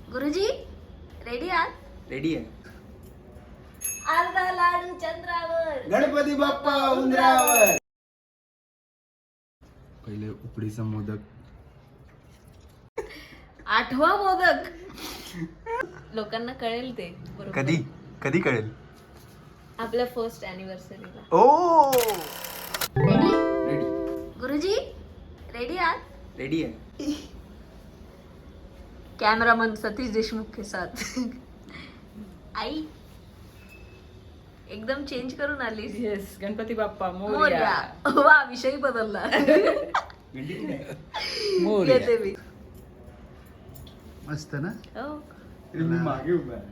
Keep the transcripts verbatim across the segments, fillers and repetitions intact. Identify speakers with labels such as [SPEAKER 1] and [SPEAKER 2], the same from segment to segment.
[SPEAKER 1] गुरुजी रेडी आहात?
[SPEAKER 2] रेडी आहे.
[SPEAKER 1] अर्धा लाडू चंद्रावर,
[SPEAKER 2] गणपती बाप्पा उंदरावर. पहिले उकडीचा मोदक.
[SPEAKER 1] आठवा मोदक. लोकांना कळेल ते बरोबर.
[SPEAKER 2] कधी कधी कळेल?
[SPEAKER 1] आपल्या फर्स्ट अॅनिव्हर्सरीला.
[SPEAKER 2] ओ
[SPEAKER 1] रेडी
[SPEAKER 2] रेडी
[SPEAKER 1] गुरुजी रेडी आहात?
[SPEAKER 2] रेडी आहे.
[SPEAKER 1] कॅमेरामन सतीश देशमुख के साथ. आई एकदम चेंज करून आली.
[SPEAKER 3] येस, गणपती बाप्पा
[SPEAKER 1] मोरया.
[SPEAKER 3] मोरया.
[SPEAKER 1] वा विषय बदलला.
[SPEAKER 2] मोरया.
[SPEAKER 1] येते मी.
[SPEAKER 2] मस्त ना.
[SPEAKER 1] हो.
[SPEAKER 2] मी मागे उभा आहे.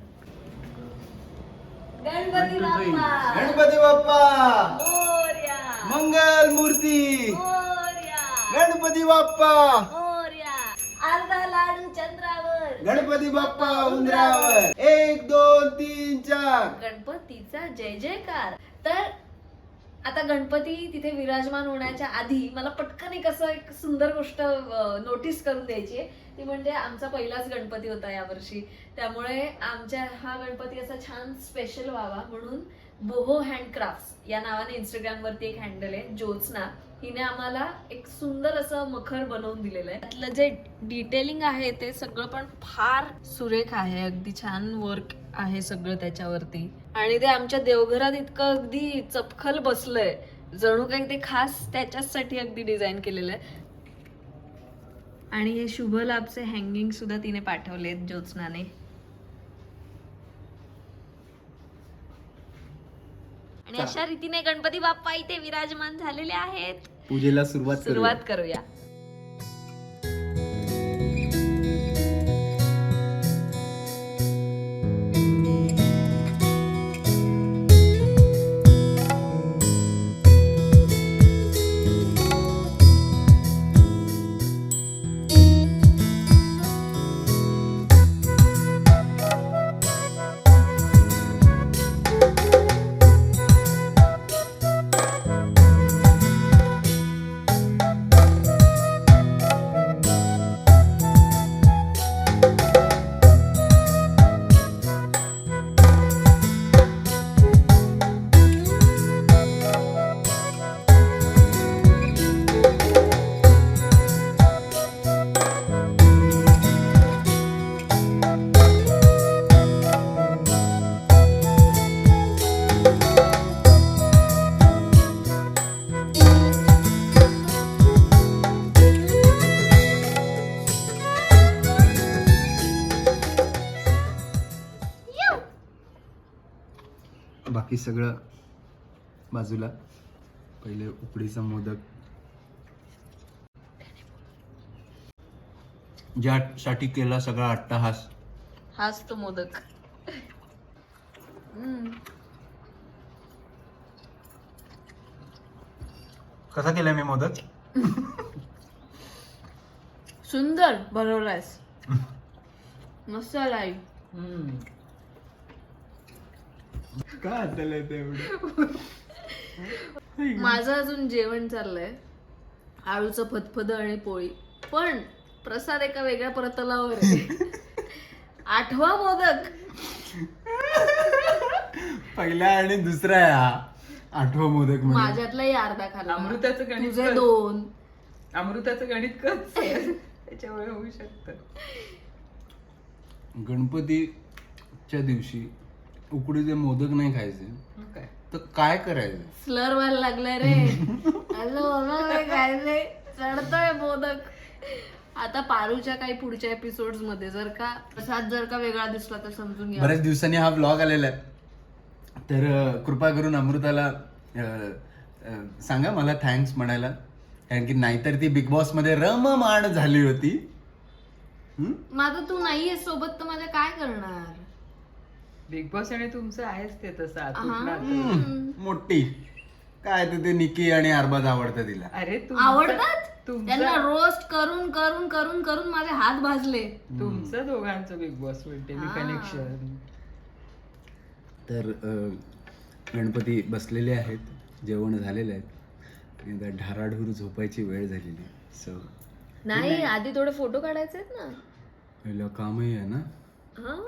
[SPEAKER 1] गणपती बाप्पा
[SPEAKER 2] गणपती बाप्पा
[SPEAKER 1] मोरया.
[SPEAKER 2] मंगल मूर्ती.
[SPEAKER 1] मोरया.
[SPEAKER 2] गणपती बाप्पा
[SPEAKER 1] मोरया. अर्धा लाडू चंद्रावर,
[SPEAKER 2] गणपती बाप्पा उंदरावर. एक दोन तीन चार.
[SPEAKER 1] गणपतीचा जय जयकार. तर आता गणपती तिथे विराजमान होण्याच्या आधी मला पटकन एक असं एक सुंदर गोष्ट नोटीस करून द्यायची आहे. ती म्हणजे आमचा पहिलाच गणपती होता यावर्षी, त्यामुळे आमच्या हा गणपती असा छान स्पेशल व्हावा म्हणून बोहो हँडक्राफ्ट्स या नावाने इंस्टाग्राम वरती एक हँडल आहे, ज्योत्स्ना. हिने आम्हाला एक सुंदर असं मखर बनवून दिलेलं आहे. त्यातलं जे डिटेलिंग आहे ते सगळं पण फार सुरेख आहे. अगदी छान वर्क आहे सगळं त्याच्यावरती. आणि ते आमच्या देवघरात इतकं अगदी चपखल बसलंय, जणू काही ते खास त्याच्यासाठी अगदी डिझाईन केलेलं आहे. आणि हे शुभ लाभचे हँगिंग सुद्धा तिने पाठवलेत ज्योत्स्नाने. आणि अशा रीतीने गणपती बाप्पा इथे विराजमान झालेले आहेत.
[SPEAKER 2] पूजेला सुरुवात
[SPEAKER 1] सुरुवात करूया.
[SPEAKER 2] बाकी सगळं बाजूला. पहिले उकडीचा मोदक, ज्यासाठी केला सगळा अट्टहास.
[SPEAKER 1] हाच तो मोदक. हम्म.
[SPEAKER 2] कसा केलाय मी मोदक?
[SPEAKER 1] सुंदर बनवलायस. मस्त आलाय.
[SPEAKER 3] हम्म.
[SPEAKER 2] काय झालंय ते एवढं?
[SPEAKER 1] माझं अजून जेवण चाललंय, आळूचं फतफद आणि पोळी. पण प्रसाद एका वेगळ्या प्रतलावर आहे. आठवा मोदक.
[SPEAKER 2] पहिला आणि दुसरा आहे हा आठवा मोदक. म्हणजे
[SPEAKER 1] माझ्यातलाही अर्धा खाल्ला.
[SPEAKER 3] अमृताचं गणित
[SPEAKER 1] तुझे
[SPEAKER 3] कर.
[SPEAKER 1] दोन.
[SPEAKER 3] अमृताचं गणित कच त्याच्यामुळे होऊ शकतं.
[SPEAKER 2] गणपतीच्या दिवशी उकडीचे मोदक नाही खायचे
[SPEAKER 3] मग काय?
[SPEAKER 2] तर काय करायचं?
[SPEAKER 1] स्लर व्हायला लागलाय रे. असं खायचंय. चढतोय मोदक. आता पारूच्या काही पुढच्या एपिसोड्स मध्ये जर का प्रसाद जर का वेगळा दिसला तर समजून घ्या.
[SPEAKER 2] बऱ्याच दिवसांनी हा ब्लॉग आलेला आहे, तर अं, कृपा करून अमृताला अं, अं, सांगा मला थँक्स म्हणायला, कारण की नाहीतर ती बिग बॉस मध्ये रममाण झाली होती. हम्म?
[SPEAKER 1] माझं तू नाहीये सोबत तर माझ्या काय करणार.
[SPEAKER 3] बिग बॉस आणि तुमचं आहेच ते तसं
[SPEAKER 1] हा.
[SPEAKER 3] आतून नातं.
[SPEAKER 2] हम्म, मोठी काय तर ते निकी आणि अरबाज आवडतं तिला.
[SPEAKER 3] अरे तुमचं-
[SPEAKER 1] आवडतात
[SPEAKER 3] तुमचं-
[SPEAKER 1] त्यांना रोस्ट करून करून करून करून माझे हात भाजले.
[SPEAKER 3] तुमचं दोघांचं बिग बॉस
[SPEAKER 1] हा.
[SPEAKER 3] कनेक्शन.
[SPEAKER 2] तर अं, गणपती बसलेले आहेत, जेवण झालेलं आहे, आणि आता ढाराढूर झोपायची वेळ झालेली आहे. सो
[SPEAKER 1] नाही आधी थोडे फोटो काढायचे आहेत ना.
[SPEAKER 2] पहिलं कामही आहे ना.
[SPEAKER 1] हा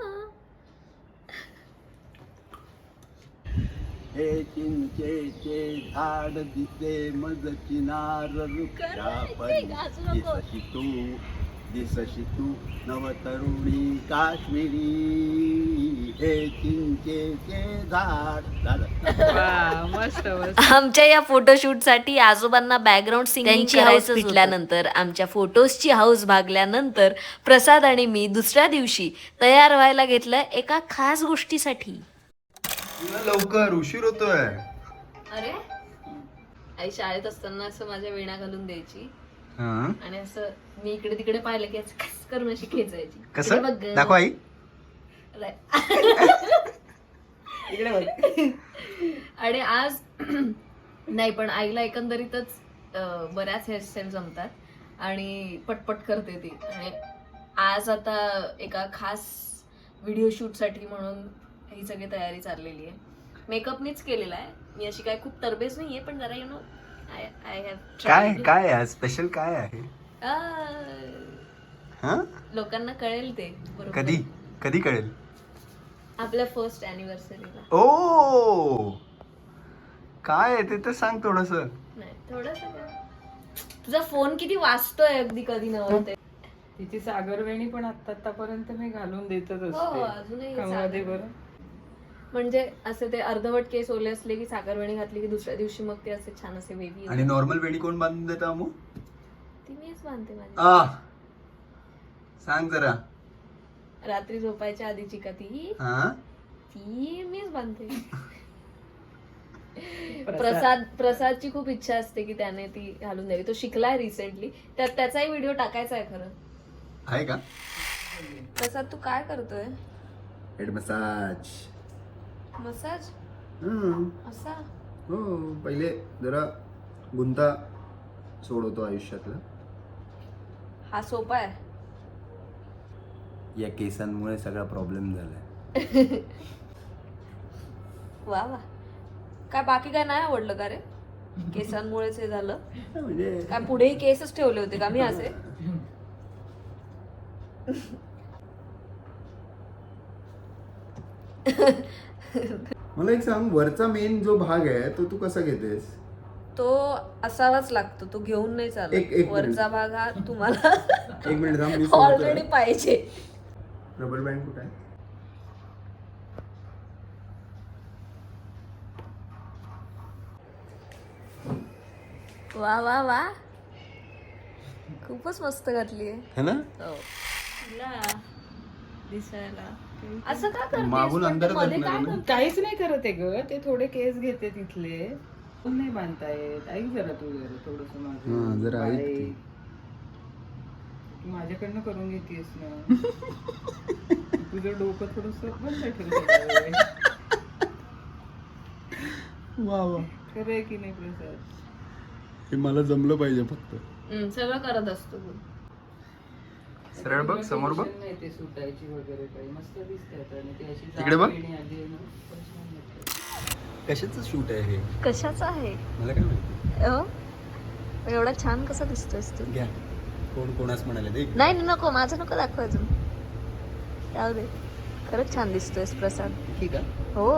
[SPEAKER 4] हे चिंचेचे झाड दिसे मज चिनार वृक्षापरी दिसशी तू दिसशी तू नवतरुणी काश्मीरी हे चिंचेचे झाड झालं.
[SPEAKER 3] वा, मस्त मस्त.
[SPEAKER 1] आमच्या या फोटोशूटसाठी आजोबांना बॅकग्राऊंड सिंगिंग करायचं सुटल्यानंतर आमच्या फोटोजची हाऊस भागल्यानंतर प्रसाद आणि मी दुसऱ्या दिवशी तयार व्हायला घेतलं एका खास गोष्टीसाठी.
[SPEAKER 2] लवकर उशीर होतोय.
[SPEAKER 1] अरे आई शाळेत असताना असं माझ्या वेणा घालून द्यायची
[SPEAKER 2] हा.
[SPEAKER 1] आणि असं मी इकडे तिकडे पाहिलं की असं खस करून अशी खेचायची.
[SPEAKER 2] कसं
[SPEAKER 1] इकडे बघ ग.
[SPEAKER 2] दाखव आई.
[SPEAKER 1] इकडे बघ. आणि आज नाही पण आईला एकंदरीतच अं, बऱ्याच हेअरस्टाईल जमतात आणि पटपट करते ती. आणि आज आता एका खास व्हिडिओ शूटसाठी म्हणून ही सगळी तयारी चाललेली आहे. मेकअपनीच केलेला आहे. मी अशी काय खूप तरबेज नाहीये पण जरा you know I I have
[SPEAKER 2] काय काय आहे स्पेशल काय आहे? हा?
[SPEAKER 1] लोकांना कळेल ते बरोबर.
[SPEAKER 2] कधी कधी कळेल?
[SPEAKER 1] आपल्या फर्स्ट अॅनिव्हर्सरीला.
[SPEAKER 2] ओ काय आहे ते तर सांग थोडस.
[SPEAKER 1] नाही थोडस तुझा फोन किती वाजतोय अगदी कधी नव्हते.
[SPEAKER 3] तिची सागरवेणी पण आता आतापर्यंत मी घालून देतच
[SPEAKER 1] हो
[SPEAKER 3] असते
[SPEAKER 1] अजूनही
[SPEAKER 3] कमवादे
[SPEAKER 1] सागर-
[SPEAKER 3] बरं.
[SPEAKER 1] म्हणजे असे ते अर्धवट केस ओले असले की साखरवेणी घातली की दुसऱ्या दिवशी मग ते असे छान असे वेगळी
[SPEAKER 2] आणि नॉर्मल वेणी कोण बांधून देतं अमू?
[SPEAKER 1] ती मीच बांधते माझी.
[SPEAKER 2] आ सांग जरा.
[SPEAKER 1] रात्री झोपायच्या आधीची का ती
[SPEAKER 2] हा
[SPEAKER 1] ती मीच बांधते.
[SPEAKER 3] प्रसाद.
[SPEAKER 1] प्रसाद प्रसादची खूप इच्छा असते की त्याने ती घालून द्यावी. तो शिकलाय रिसेंटली. त्यात त्याचाही व्हिडिओ टाकायचा आहे खरं.
[SPEAKER 2] आहे का?
[SPEAKER 1] प्रसाद तू काय करतोय?
[SPEAKER 2] Head massage.
[SPEAKER 1] मसाज असा?
[SPEAKER 2] हो पहिले जरा गुंता सोडवतो आयुष्यातला.
[SPEAKER 1] हा सोपा आहे.
[SPEAKER 2] या केसांमुळे सगळा प्रॉब्लेम झालाय.
[SPEAKER 1] वा वा. काय बाकी काय नाही आवडलं का रे? केसांमुळेच हे झालं?
[SPEAKER 2] म्हणजे
[SPEAKER 1] काय पुढेही केसच ठेवले होते का मी असे?
[SPEAKER 2] मला एक सांग, वरचा मेन जो भाग आहे तो तू कसा घेतेस?
[SPEAKER 1] तो असावाच लागतो. तो घेऊन नाही
[SPEAKER 2] एक-
[SPEAKER 1] चालत.
[SPEAKER 2] एक
[SPEAKER 1] वरचा
[SPEAKER 2] मिनिट.
[SPEAKER 1] भाग हा तुम्हाला
[SPEAKER 2] एक मिनिट थांब, मी
[SPEAKER 1] ऑलरेडी पाहिजे.
[SPEAKER 2] रबर बँड कुठे आहे?
[SPEAKER 1] वा वा वा. खूपच मस्त घातली आहे.
[SPEAKER 2] है ना?
[SPEAKER 1] दिसायला असं का करतेस?
[SPEAKER 2] मागून
[SPEAKER 1] पण
[SPEAKER 2] अंधारात
[SPEAKER 1] तू मध्ये
[SPEAKER 2] असणार
[SPEAKER 1] काय
[SPEAKER 2] ना?
[SPEAKER 1] करतेस?
[SPEAKER 3] काहीच नाही करत आहे ग. ते थोडे केस घेते तिथले. पण नाही बांधता येत. ऐक जरा तू जरा थोडस
[SPEAKER 2] हा,
[SPEAKER 3] माझं
[SPEAKER 2] जरा ऐक
[SPEAKER 3] बाई.
[SPEAKER 2] तू.
[SPEAKER 3] तू माझ्याकडनं करून घेतेस ना. तुझं डोकं थोडस बंद ठेव थोडा वेळ.
[SPEAKER 2] वा वा.
[SPEAKER 3] खरं आहे की नाही प्रसाद?
[SPEAKER 2] हे मला जमलं पाहिजे फक्त.
[SPEAKER 1] हम्म, सगळं करत असतो तू.
[SPEAKER 2] सरळ बघ, समोर बघ.
[SPEAKER 3] नाही ते सुटायची वगैरे काही मस्त दिसतात आणि ती अशी
[SPEAKER 2] इकडे बघ.
[SPEAKER 3] जाड वेणी आली आहे ना, पण छान दिसते.
[SPEAKER 2] कशाचं शूट आहे हे?
[SPEAKER 1] कशाचं आहे?
[SPEAKER 2] मला काय माहिती.
[SPEAKER 1] अ? एवढा छान कसा दिसतोयस तू?
[SPEAKER 2] घ्या. कोण कोणास म्हणाले ते?
[SPEAKER 1] नाही नाही, नको माझं नको दाखव अजून. जाऊ दे. खरंच छान दिसतोयस प्रसाद.
[SPEAKER 2] ठीक आहे.
[SPEAKER 1] हो.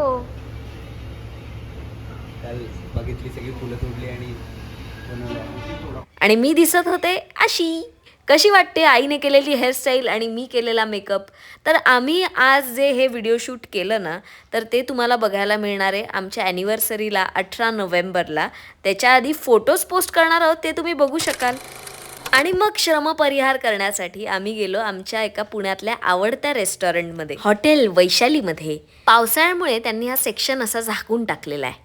[SPEAKER 2] काल बघितली सगळी फुलं तोडली आणि
[SPEAKER 1] आणि मी दिसत होते अशी. कशी वाटते आईने केलेली हेअरस्टाईल आणि मी केलेला मेकअप? तर आम्ही आज जे हे व्हिडिओ शूट केलं ना, तर ते तुम्हाला बघायला मिळणार आहे आमच्या ॲनिव्हर्सरीला अठरा नोव्हेंबरला. त्याच्या आधी फोटोज पोस्ट करणार आहोत, ते तुम्ही बघू शकाल. आणि मग श्रमपरिहार करण्यासाठी आम्ही गेलो आमच्या एका पुण्यातल्या आवडत्या रेस्टॉरंटमध्ये, हॉटेल वैशालीमध्ये. पावसाळ्यामुळे त्यांनी हा सेक्शन असा झाकून टाकलेला आहे.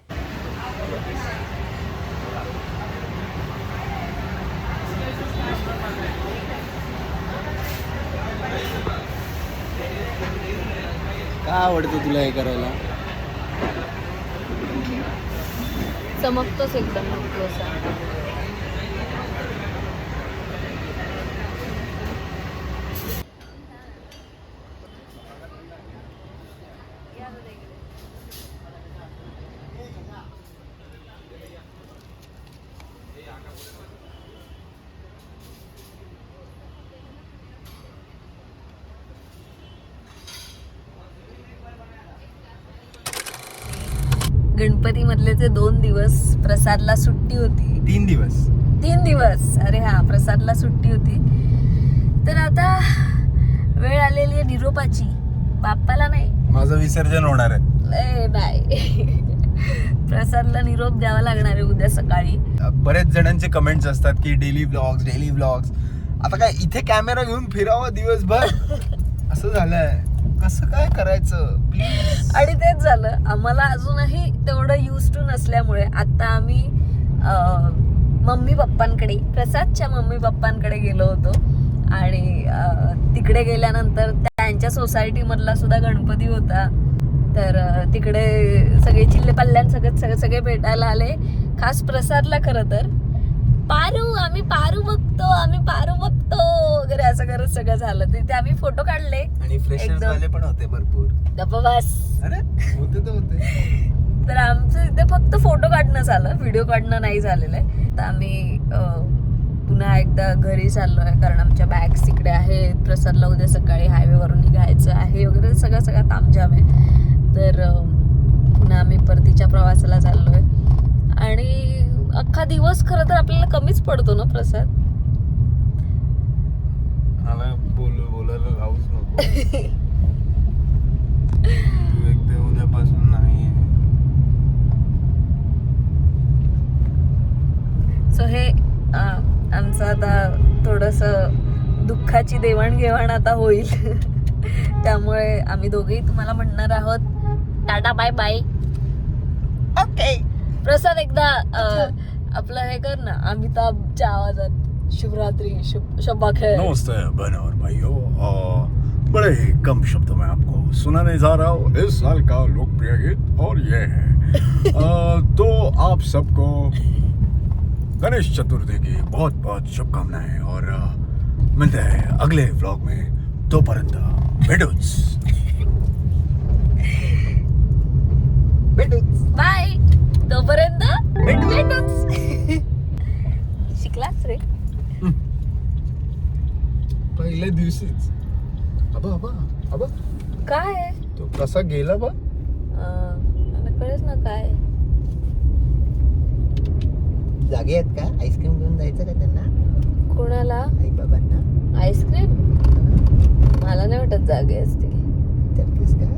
[SPEAKER 2] का आवडतं तुला हे करायला?
[SPEAKER 1] चमकतोच एकदम असा. गणपती मधले ते दोन दिवस प्रसादला सुट्टी होती.
[SPEAKER 2] तीन दिवस
[SPEAKER 1] तीन दिवस अरे हा प्रसादला सुट्टी होती. तर आता वेळ आलेली आहे निरोपाची. बाप्पाला नाही,
[SPEAKER 2] माझं विसर्जन होणार आहे.
[SPEAKER 1] ए, नाही प्रसादला निरोप द्यावा लागणार आहे उद्या सकाळी.
[SPEAKER 2] बरेच जणांचे कमेंट्स असतात की डेली व्लॉग्स डेली व्लॉग्स. आता काय इथे कॅमेरा घेऊन फिरावं दिवसभर असं झालंय. कसं काय करायचं प्लीज.
[SPEAKER 1] आणि तेच झालं, आम्हाला अजूनही तेवढं यूज टू नसल्यामुळे आता आम्ही अं, मम्मी पप्पांकडे, प्रसादच्या मम्मी पप्पांकडे गेलो होतो. आणि अं, तिकडे गेल्यानंतर त्यांच्या सोसायटी मधला सुद्धा गणपती होता. तर अं, तिकडे सगळे चिल्ले पल्ल्यान सगळे सगळे सगळे भेटायला आले, खास प्रसादला. खरं तर पारू आम्ही पारू बघतो आम्ही पारू बघतो वगैरे असं करत सगळं झालं. तिथे आम्ही फोटो काढले.
[SPEAKER 2] आणि फ्रेशर्स
[SPEAKER 1] एकदम.
[SPEAKER 2] वाले पण होते भरपूर.
[SPEAKER 1] गप्पा बस.
[SPEAKER 2] अरे होते तर होते.
[SPEAKER 1] तर आमचं इथे फक्त फोटो काढणं झालं, व्हिडिओ काढणं नाही झालेलं आहे. तर आम्ही अं, पुन्हा एकदा घरी चाललोय, कारण आमच्या बॅग्स तिकडे आहेत. प्रसादला उद्या सकाळी हायवेवरून निघायचं आहे वगैरे सगळं सगळं तामझाम आहे. तर अं, पुन्हा आम्ही परतीच्या प्रवासाला चाललोय. आणि अख्खा दिवस खरं तर आपल्याला कमीच पडतो ना प्रसाद.
[SPEAKER 2] मला बोल बोलायला लावूच नको. तू एकदा उद्यापासून नाही.
[SPEAKER 1] सो हे अं, आमचं आता थोडंसं दुःखाची देवाणघेवाण आता होईल. त्यामुळे आम्ही दोघेही तुम्हाला म्हणणार आहोत tata bye bye. Okay Prasad एकदा अं, आपलं हे कर ना अमिताभच्या आवाजात शुभरात्रि शुभ शब्बा खैर.
[SPEAKER 4] नमस्ते बहनों और भाइयों, और बड़े ही कम शब्दों में आपको सुनाने जा रहा हूँ इस साल का लोकप्रिय गीत, और ये है अ, तो आप सबको गणेश चतुर्थी की बहुत बहुत शुभकामनाएं. और अ, मिलते हैं अगले व्लॉग में. तोपर्यंत भेटूच
[SPEAKER 2] भेटूच.
[SPEAKER 1] बाय. तोपर्यंत भेटूच. शिकलाच रे.
[SPEAKER 2] पहिल्या दिवशीच. अबा अबा अबा
[SPEAKER 1] काय
[SPEAKER 2] तो कसा गेला बा.
[SPEAKER 1] अं, मला कळेच ना काय.
[SPEAKER 5] जागे आहेत का? आईस्क्रीम घेऊन जायचं का त्यांना?
[SPEAKER 1] कोणाला
[SPEAKER 5] आई बाबांना
[SPEAKER 1] आईस्क्रीम? मला नाही वाटत जागे असतील.
[SPEAKER 5] विचारतेस का?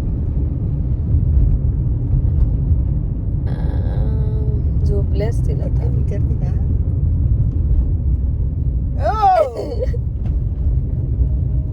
[SPEAKER 1] अं, झोपले असतील आता.
[SPEAKER 5] विचारते का?